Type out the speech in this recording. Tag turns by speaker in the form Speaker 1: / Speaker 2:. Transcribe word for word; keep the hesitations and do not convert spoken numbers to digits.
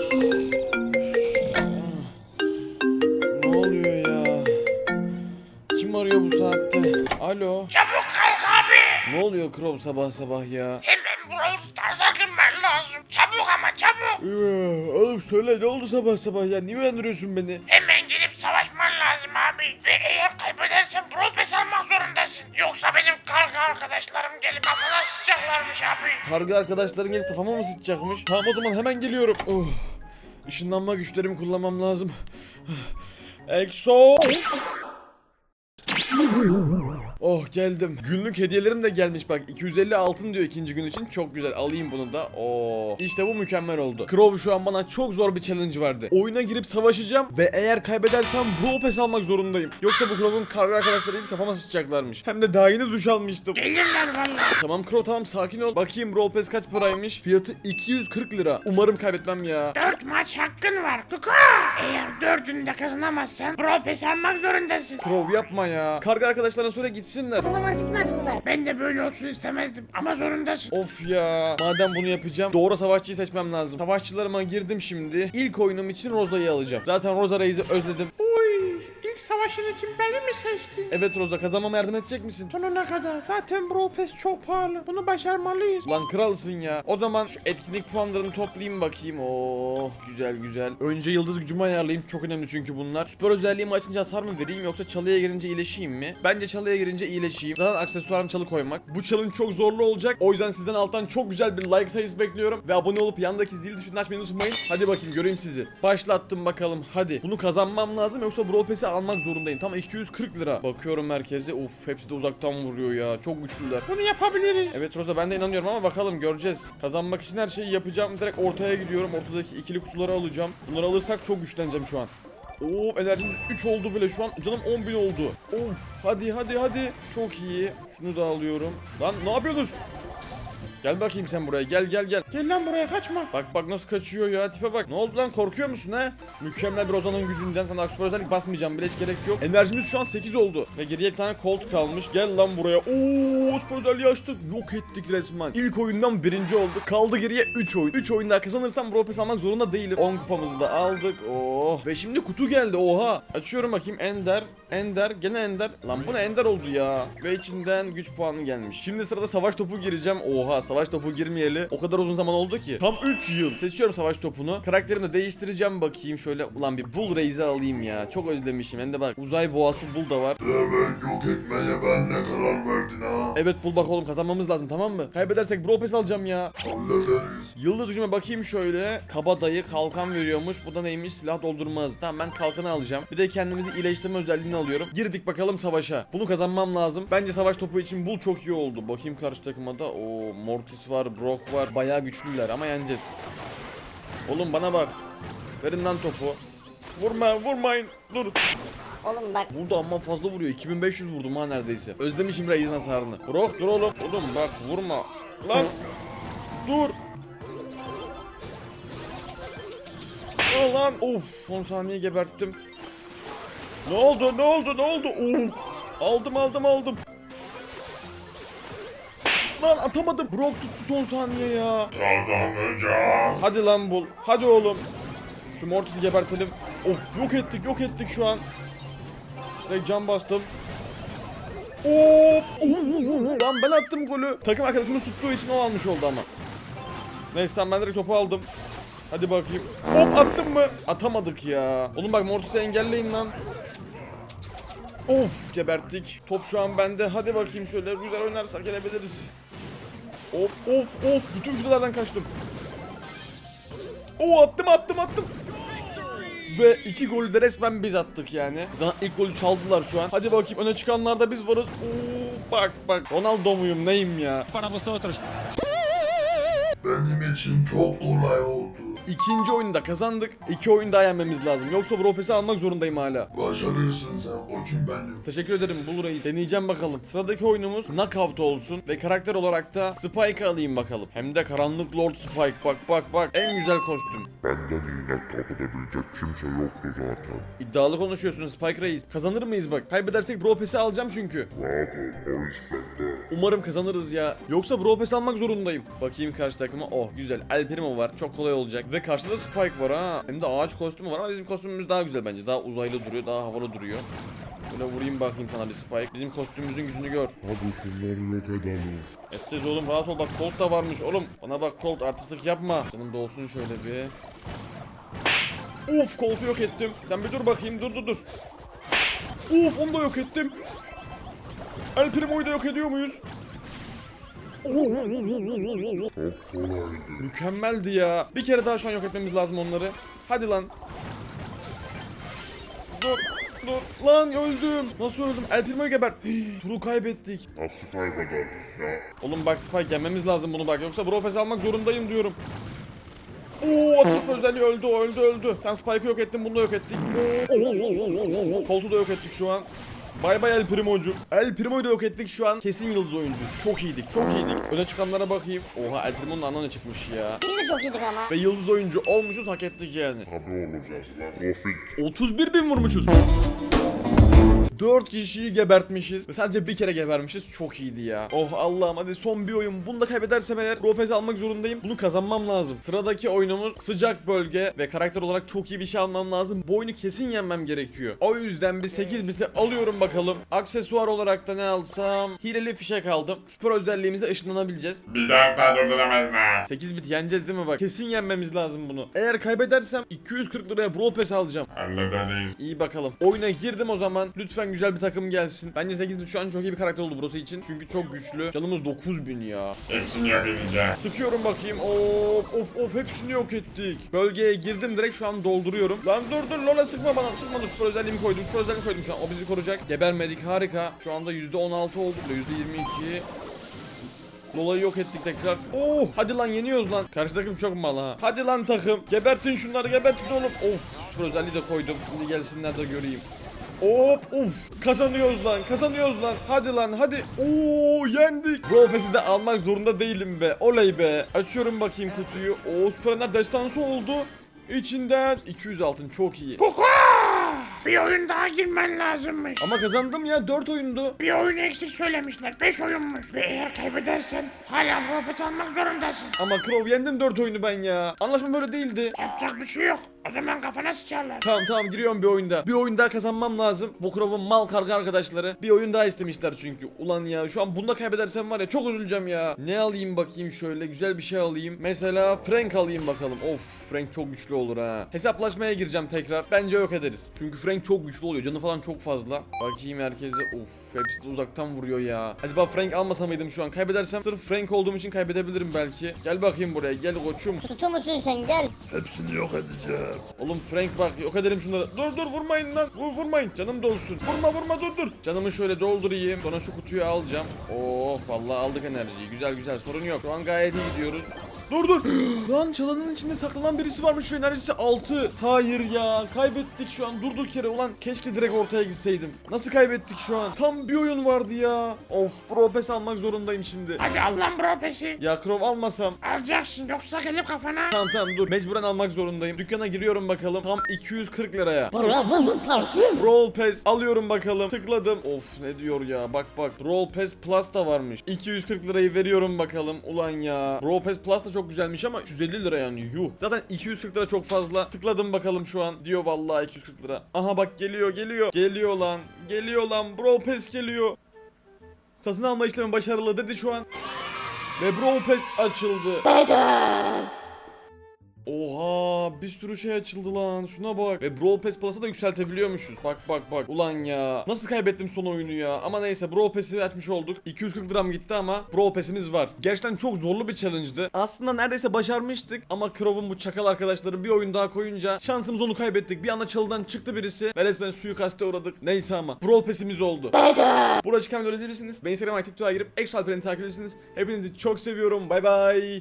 Speaker 1: Ne oluyor ya? Kim arıyor bu saatte? Alo.
Speaker 2: Çabuk kalk abi.
Speaker 1: Ne oluyor Crow sabah sabah ya?
Speaker 2: Hemen Brawl Stars'a girmen lazım. Çabuk ama çabuk.
Speaker 1: Ee, Oğlum söyle ne oldu sabah sabah ya? Niye uyandırıyorsun beni?
Speaker 2: Hemen girip savaşman lazım abi. Ve eğer kaybedersen Brawl Pass almak zorundasın. Yoksa benim karga arkadaşlarım gelip kafana sıçacaklarmış abi.
Speaker 1: Kargı arkadaşların gelip kafama mı sıçacakmış? Tamam o zaman hemen geliyorum. Oh. Işınlanma güçlerimi kullanmam lazım. Exo. Oh geldim. Günlük hediyelerim de gelmiş bak. iki yüz elli altın diyor ikinci gün için. Çok güzel. Alayım bunu da. Oo. İşte bu mükemmel oldu. Crow şu an bana çok zor bir challenge verdi. Oyuna girip savaşacağım ve eğer kaybedersem Brawl Pass almak zorundayım. Yoksa bu Crow'un karga arkadaşları gelip kafama sıçacaklarmış. Hem de daha yeni duş almıştım.
Speaker 2: Gelirler valla.
Speaker 1: Tamam Crow tamam sakin ol. Bakayım Brawl Pass kaç paraymış? Fiyatı iki yüz kırk lira. Umarım kaybetmem ya.
Speaker 2: Dört maç hakkın var Kuka. Eğer dördünü de kazanamazsan Brawl Pass almak zorundasın.
Speaker 1: Crow yapma ya. Karga arkadaşlarına söyle gitsinler.
Speaker 3: Kafama sıçmasınlar.
Speaker 2: Ben de böyle olsun istemezdim ama zorundasın.
Speaker 1: Of ya. Madem bunu yapacağım doğru savaşçıyı seçmem lazım. Savaşçılarıma girdim şimdi. İlk oyunum için Rosa'yı alacağım. Zaten Rosa Reis'i özledim.
Speaker 2: Oy, ilk savaşın için beni mi seçtin?
Speaker 1: Evet Rosa kazanmama yardım edecek misin?
Speaker 2: Sonuna kadar. Zaten Brawl Pass çok pahalı. Bunu başarmalıyız.
Speaker 1: Lan kralsın ya. O zaman şu etkinlik puanlarını toplayayım bakayım. Oh güzel güzel. Önce yıldız gücümü ayarlayayım. Çok önemli çünkü bunlar. Süper özelliğimi açınca hasar mı vereyim yoksa çalıya girince iyileşeyim mi? Bence çalıya girince iyileşeyim. Zaten aksesuarım çalı koymak. Bu challenge çok zorlu olacak. O yüzden sizden alttan çok güzel bir like sayısı bekliyorum. Ve abone olup yandaki zil tuşunu açmayı unutmayın. Hadi bakayım göreyim sizi. Başlattım bakalım. Hadi. Bunu kazanmam lazım yoksa Brawl Pass'i almak zorundayım. Tam iki yüz kırk lira. Bakıyorum merkeze. Of hepsi de uzaktan vuruyor ya. Çok güçlüler.
Speaker 2: Bunu yapabiliriz.
Speaker 1: Evet Rosa ben de inanıyorum ama bakalım göreceğiz. Kazanmak için her şeyi yapacağım. Direkt ortaya gidiyorum. Ortadaki ikili kutuları alacağım. Bunları alırsak çok güçleneceğim şu an. Oo enerjimiz üç oldu bile şu an. Canım on bin oldu. Of hadi hadi hadi. Çok iyi. Şunu da alıyorum. Lan ne yapıyorsunuz? Gel bakayım sen buraya gel gel gel.
Speaker 2: Gel lan buraya kaçma.
Speaker 1: Bak bak nasıl kaçıyor ya tipe bak. Ne oldu lan korkuyor musun ha? Mükemmel bir Roza'nın gücünden sana süper özellik basmayacağım bile hiç gerek yok. Enerjimiz şu an sekiz oldu. Ve geriye bir tane Colt kalmış. Gel lan buraya. Oo süper özelliği açtık. Yok ettik resmen. İlk oyundan birinci olduk. Kaldı geriye üç oyun. üç oyun daha kazanırsam Brawl Pass almak zorunda değilim. on kupamızı da aldık. Oh. Ve şimdi kutu geldi oha. Açıyorum bakayım Ender. Ender gene Ender. Lan bu ne Ender oldu ya. Ve içinden güç puanı gelmiş. Şimdi sırada savaş topu gireceğim. Oha savaş topu girmeyeli o kadar uzun zaman oldu ki. Tam üç yıl. Seçiyorum savaş topunu. Karakterimi de değiştireceğim bakayım şöyle. Ulan bir Bull Reis'i alayım ya. Çok özlemişim. Hem de bak uzay boğası Bull da var.
Speaker 4: Demek yok etmeye ben ne karar verdin ha?
Speaker 1: Evet Bull bak oğlum kazanmamız lazım tamam mı? Kaybedersek Brawl Pass alacağım ya.
Speaker 4: Hallederiz.
Speaker 1: Yıldız gücüme bakayım şöyle. Kabadayı kalkan veriyormuş. Bu da neymiş? Silah doldurmaz. Tamam ben kalkanı alacağım. Bir de kendimizi iyileştirme özelliğini alıyorum. Girdik bakalım savaşa. Bunu kazanmam lazım. Bence savaş topu için Bull çok iyi oldu. Bakayım karşı takıma da. O Mortis var, Brock var. Bayağı güçlüler ama yeneceğiz. Oğlum bana bak. Verin lan topu. Vurma, vurmayın. Dur.
Speaker 3: Oğlum bak.
Speaker 1: Burada amma fazla vuruyor. iki bin beş yüz vurdum ha neredeyse. Özlemişim Reis'in hasarını. Brock dur oğlum. Oğlum bak vurma. Lan. Dur. Aa, lan. Of son saniye geberttim. Ne oldu ne oldu ne oldu? Of. Aldım aldım aldım. Lan atamadım. Brock tuttu son saniye ya.
Speaker 4: Kazanacağız.
Speaker 1: Hadi lan bul. Hadi oğlum. Şu Mortis'i gebertelim. Of yok ettik yok ettik şu an. Direkt can bastım. Of. Lan ben attım golü. Takım arkadaşımız tuttuğu için o almış oldu ama. Neyse tamam ben direkt topu aldım. Hadi bakayım. Hop attım mı? Atamadık ya. Oğlum bak Mortis'i engelleyin lan. Of geberttik. Top şu an bende. Hadi bakayım şöyle güzel oynarsak gelebiliriz. Of of of bütün füzelerden kaçtım. Oo attım attım attım. Ve iki golü de resmen biz attık yani. Zaten ilk golü çaldılar şu an. Hadi bakayım öne çıkanlarda biz varız. Oo bak bak Ronaldo muyum neyim ya.
Speaker 4: Benim için çok kolay oldu.
Speaker 1: İkinci oyunda kazandık. İki oyun daha yenmemiz lazım. Yoksa Brawl Pass'i almak zorundayım hala.
Speaker 4: Başarırsın sen koçum benim.
Speaker 1: Teşekkür ederim Bull Reis. Deneyeceğim bakalım. Sıradaki oyunumuz Knockout olsun. Ve karakter olarak da Spike alayım bakalım. Hem de Karanlık Lord Spike. Bak bak bak. En güzel kostüm.
Speaker 4: Benden iğne top edebilecek kimse yoktu zaten.
Speaker 1: İddialı konuşuyorsun Spike Reis. Kazanır mıyız bak? Kaybedersek Brawl Pass'i alacağım çünkü.
Speaker 4: Rahat ol o iş bende.
Speaker 1: Umarım kazanırız ya. Yoksa Brawl Pass almak zorundayım. Bakayım karşı takıma. Oh güzel. El Primo var. Çok kolay olacak. Ve Ve karşıda Spike var ha. Hem de ağaç kostümü var ama bizim kostümümüz daha güzel bence. Daha uzaylı duruyor, daha havalı duruyor. Böyle vurayım bakayım sana bir Spike. Bizim kostümümüzün gücünü gör.
Speaker 4: Hadi şunları yok edelim.
Speaker 1: Edeceğiz oğlum, rahat ol, bak Colt da varmış oğlum. Bana bak Colt, artistlik yapma. Canım dolsun şöyle bir. Uf, Colt'u yok ettim. Sen bir dur bakayım, dur dur dur. Uf, onu da yok ettim. El Primo'yu da yok ediyor muyuz?
Speaker 4: Çok kolaydı.
Speaker 1: Mükemmeldi ya. Bir kere daha şu an yok etmemiz lazım onları. Hadi lan. Dur. Dur. Lan öldüm. Nasıl öldüm? El Primo'yu geber. Hii, turu kaybettik.
Speaker 4: Nasıl kaybederiz ya?
Speaker 1: Oğlum bak Spike, yenmemiz lazım bunu bak. Yoksa Brawl Pass almak zorundayım diyorum. Oo, atış özelliği öldü, o öldü öldü. Tam Spike'ı yok ettim, bunu da yok ettik. Colt'u da yok ettik şu an. Bay bay El Primo'cum. El Primo'yu da yok ettik şu an. Kesin yıldız oyuncuyuz. Çok iyiydik, çok iyiydik. Öne çıkanlara bakayım. Oha, El Primo'nun anına ne çıkmış ya.
Speaker 3: Biz de çok iyiydik ama.
Speaker 1: Ve yıldız oyuncu olmuşuz, hak ettik yani.
Speaker 4: Tabi olacağız lan. Profit.
Speaker 1: otuz bir bin vurmuşuz. dört kişiyi gebertmişiz ve sadece bir kere gebermişiz. Çok iyiydi ya. Oh Allah'ım, hadi son bir oyun. Bunu da kaybedersem eğer Brawl Pass almak zorundayım. Bunu kazanmam lazım. Sıradaki oyunumuz sıcak bölge ve karakter olarak çok iyi bir şey almam lazım. Bu oyunu kesin yenmem gerekiyor. O yüzden bir sekiz biti alıyorum bakalım. Aksesuar olarak da ne alsam? Hileli fişek aldım. Süper özelliğimizde ışınlanabileceğiz.
Speaker 2: Bizi asla durduramazlar.
Speaker 1: sekiz bit yeneceğiz değil mi bak? Kesin yenmemiz lazım bunu. Eğer kaybedersem iki yüz kırk liraya Brawl Pass alacağım.
Speaker 2: Hallederiz.
Speaker 1: İyi bakalım. Oyuna girdim o zaman. Lütfen güzel bir takım gelsin. Bence sekiz bit şu an çok iyi bir karakter oldu burası için. Çünkü çok güçlü. Canımız dokuz bin ya.
Speaker 2: Hepsini yok edeceğim.
Speaker 1: Sıkıyorum bakayım. Of of of, hepsini yok ettik. Bölgeye girdim, direkt şu an dolduruyorum. Lan dur dur Lola, sıkma bana. Sıkma dur, süper özelliğimi koydum. Süper özelliğimi koydum şu an. O bizi koruyacak. Gebermedik, harika. Şu anda yüzde on altı olduk da yüzde yirmi iki. Lola'yı yok ettik tekrar. Oh, hadi lan yeniyoruz lan. Karşı takım çok mal ha. Hadi lan takım. Gebertin şunları, gebertin oğlum. Of, süper özelliği de koydum. Şimdi gelsinler de göreyim. Hop, uf, kazanıyoruz lan, kazanıyoruz lan. Hadi lan, hadi. Oo, yendik. Brawl Pass'i de almak zorunda değilim be. Oley be. Açıyorum bakayım kutuyu. Oo, süperenler destansı oldu. İçinden iki yüz altın, çok iyi.
Speaker 2: Kuka! Bir oyun daha girmen lazımmış.
Speaker 1: Ama kazandım ya, dört oyundu.
Speaker 2: Bir oyun eksik söylemişler. beş oyunmuş. Ve eğer kaybedersen hala profit almak zorundasın.
Speaker 1: Ama Crow, yendim dört oyunu ben ya. Anlaşma böyle değildi.
Speaker 2: Yapacak bir şey yok. O zaman kafana sıçarlar.
Speaker 1: Tamam tamam, giriyorum bir oyunda. Bir oyun daha kazanmam lazım. Bu Crow'un mal karga arkadaşları bir oyun daha istemişler çünkü. Ulan ya, şu an bunda kaybedersem var ya, çok üzüleceğim ya. Ne alayım bakayım, şöyle güzel bir şey alayım. Mesela Frank alayım bakalım. Of, Frank çok güçlü olur ha. Hesaplaşmaya gireceğim tekrar. Bence yok ederiz. Çünkü Frank çok güçlü oluyor. Canı falan çok fazla. Bakayım herkese. Of, hepsi de uzaktan vuruyor ya. Acaba Frank almasa mıydım şu an? Kaybedersem sırf Frank olduğum için kaybedebilirim belki. Gel bakayım buraya. Gel koçum.
Speaker 3: Tutu musun sen, gel.
Speaker 4: Hepsini yok edeceğim.
Speaker 1: Oğlum Frank bak, yok edelim şunları. Dur dur, vurmayın lan. Vur, vurmayın. Canım dolsun. Vurma vurma, dur dur. Canımı şöyle doldurayım. Sonra şu kutuyu alacağım. Oh, vallahi aldık enerjiyi. Güzel güzel, sorun yok. Şu an gayet iyi gidiyoruz. Dur dur. Lan çalanın içinde saklanan birisi varmış ve enerjisi altı. Hayır ya, kaybettik şu an durduk yere. Ulan keşke direkt ortaya gitseydim. Nasıl kaybettik şu an? Tam bir oyun vardı ya. Of, Brawl Pass almak zorundayım şimdi.
Speaker 2: Hadi al lan bro pesi.
Speaker 1: Ya Crow almasam.
Speaker 2: Alacaksın yoksa gelip kafana.
Speaker 1: Tamam tamam dur, mecburen almak zorundayım. Dükkana giriyorum bakalım. Tam iki yüz kırk liraya. Brawl Pass alıyorum bakalım. Tıkladım. Of, ne diyor ya, bak bak. Brawl Pass Plus da varmış. iki yüz kırk lirayı veriyorum bakalım. Ulan ya. Brawl Pass Plus da çok güzelmiş ama yüz elli lira yani, yuh. Zaten iki yüz kırk lira çok fazla. Tıkladım bakalım şu an. Diyor vallahi iki yüz kırk lira. Aha bak, geliyor geliyor. Geliyor lan. Geliyor lan. Brawl Pass geliyor. Satın alma işlemi başarılı dedi şu an. Ve Brawl Pass açıldı. Oha, bir sürü şey açıldı lan, şuna bak. Ve Brawl Pass Plus'a da yükseltebiliyormuşuz. Bak bak bak. Ulan ya, nasıl kaybettim son oyunu ya. Ama neyse, Brawl Pass'i açmış olduk. iki yüz kırk liram gitti ama Brawl Pass'imiz var. Gerçekten çok zorlu bir challenge'dı. Aslında neredeyse başarmıştık ama Crow'un bu çakal arkadaşları bir oyun daha koyunca şansımız, onu kaybettik. Bir anda çalıdan çıktı birisi ve resmen suikaste uğradık. Neyse ama Brawl Pass'imiz oldu. Burada çıkan videoları izleyebilirsiniz. Beni Instagram ve TikTok'a girip Exo Alperen'i takip edebilirsiniz. Hepinizi çok seviyorum. Bay bay.